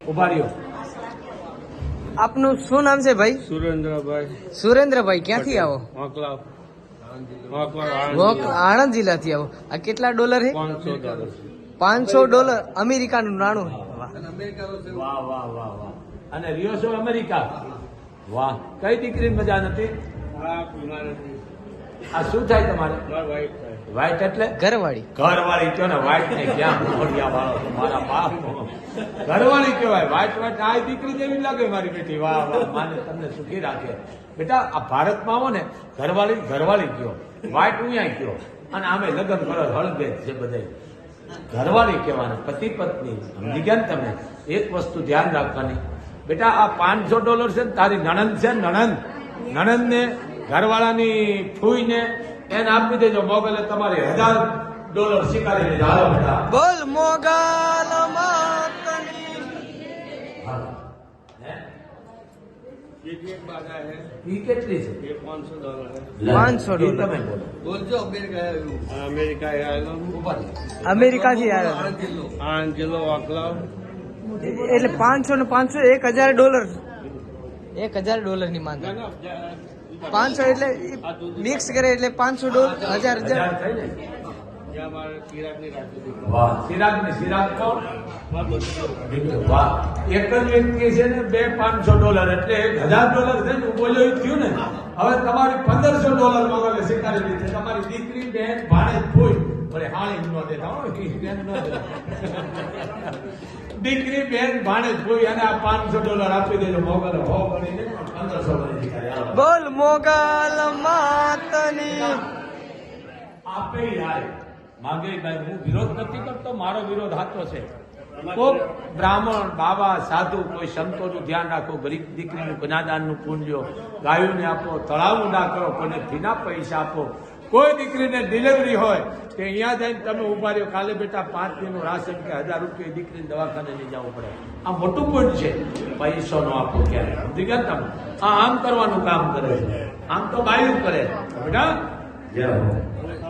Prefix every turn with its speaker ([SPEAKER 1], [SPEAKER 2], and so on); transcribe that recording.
[SPEAKER 1] ઉભા રહ્યો.
[SPEAKER 2] આપનું શું નામ છે ભાઈ?
[SPEAKER 3] સુરેન્દ્રભાઈ.
[SPEAKER 2] સુરેન્દ્રભાઈ, ક્યાંથી આવો?
[SPEAKER 3] મોકલાવ.
[SPEAKER 2] આણંદ જિલ્લાથી આવો. આ કેટલા ડોલર છે?
[SPEAKER 3] $500.
[SPEAKER 2] $500 અમેરિકાનું નાણું.
[SPEAKER 1] વાહ વાહ વાહ વાહ. અને રિયો છો અમેરિકા? વાહ. કઈ દીકરી મજા નથી? આ શું થાય તમારે? વ્હાઈટ એટલે
[SPEAKER 2] ઘરવાળી.
[SPEAKER 1] ઘરવાળી કયો ને, વ્હાઈટ ને ક્યાં મોઢિયા વાળો છો મારા બાપ. ઘરવાળી કહેવાય. વ્હાઈટ વ્હાઈટ આ દીકરી જેવી લાગે મારી બેટી. વાહ વાહ. માને તમને સુખી રાખે. બેટા આ ભારતમાં આવો ને, ઘરવાળી ઘરવાળી કયો, વ્હાઈટ ઉયા કયો, અને આમે લગ્ન કરો હળબેજ છે બધે. ઘરવાળી કહેવાના, પતિ પત્ની. સમજી ગયા ને તમે? એક વસ્તુ ધ્યાન રાખવાની બેટા, આ $500 છે ને તારી નણંદ છે ને, નણંદ ને ઘરવાળાની ફૂઈને એને આપી દેજો. મોગલે તમારી $1000 સ્વીકારી લેજો. હાલો બેટા.
[SPEAKER 2] બોલ મોગલ માતની.
[SPEAKER 1] ઈ કેટલી છે?
[SPEAKER 2] $500.
[SPEAKER 1] તમે બોલો.
[SPEAKER 3] બોલજો. અમેરિકા આવેલો.
[SPEAKER 2] અમેરિકાથી આવ્યો.
[SPEAKER 3] આણંદ જિલ્લો વાકલાવ.
[SPEAKER 2] એટલે 500 ને 500 $1000. $1000 ની માંગ. 500 એટલે મિક્સ કરે એટલે $500 1000
[SPEAKER 1] હજાર થઈ ને?
[SPEAKER 3] જ્યાં મારે ચિરાગની રાખી.
[SPEAKER 1] વાહ. સિરાગ કોણ? વાહ. એક જ વ્યક્તિ છે ને, $500 એટલે $1000 છે ને. હું બોલ્યો એ થયું ને. હવે તમારી $1500 મોગલે સ્વીકારી લીધી. તમારી દીકરી, બેન, ભાણેજ, ફૂઈ. ભલે હાળી ન દેતા હો, બેન ન દેતા. દીકરી, બેન, ભાણેજ, ફૂઈ અને આ $500 આપી દેજો. મોગલે હો કરીને 1500 સ્વીકારી.
[SPEAKER 2] બોલ મોગલ માતની.
[SPEAKER 1] આપે યાર માગે ભાઈ, હું વિરોધ નથી કરતો, મારો વિરોધ સાચો છે. કોઈ બ્રાહ્મણ, બાબા, સાધુ, કોઈ સંતોનું ધ્યાન રાખો, ગરીબ દીકરીનું કન્યાદાનનું પુણ્ય, ગાયોને આપો, તળાવનું ના કરો, કોઈને ફીના પૈસા આપો. કોઈ દીકરીને ડિલિવરી હોય કે અહીંયા જઈને તમે ઉભા રહ્યો, કાલે બેટા 5 દિનનું રાશન કે 1000 રૂપિયા દીકરીને દવાખાને લઈ જવું પડે. આ મોટું પોઈન્ટ છે. પૈસો નો આપો ક્યારે. સમજી ગયા તમે? આમ કરવાનું કામ કરે છે. આમ તો બાયું કરે બેટા. જય હો.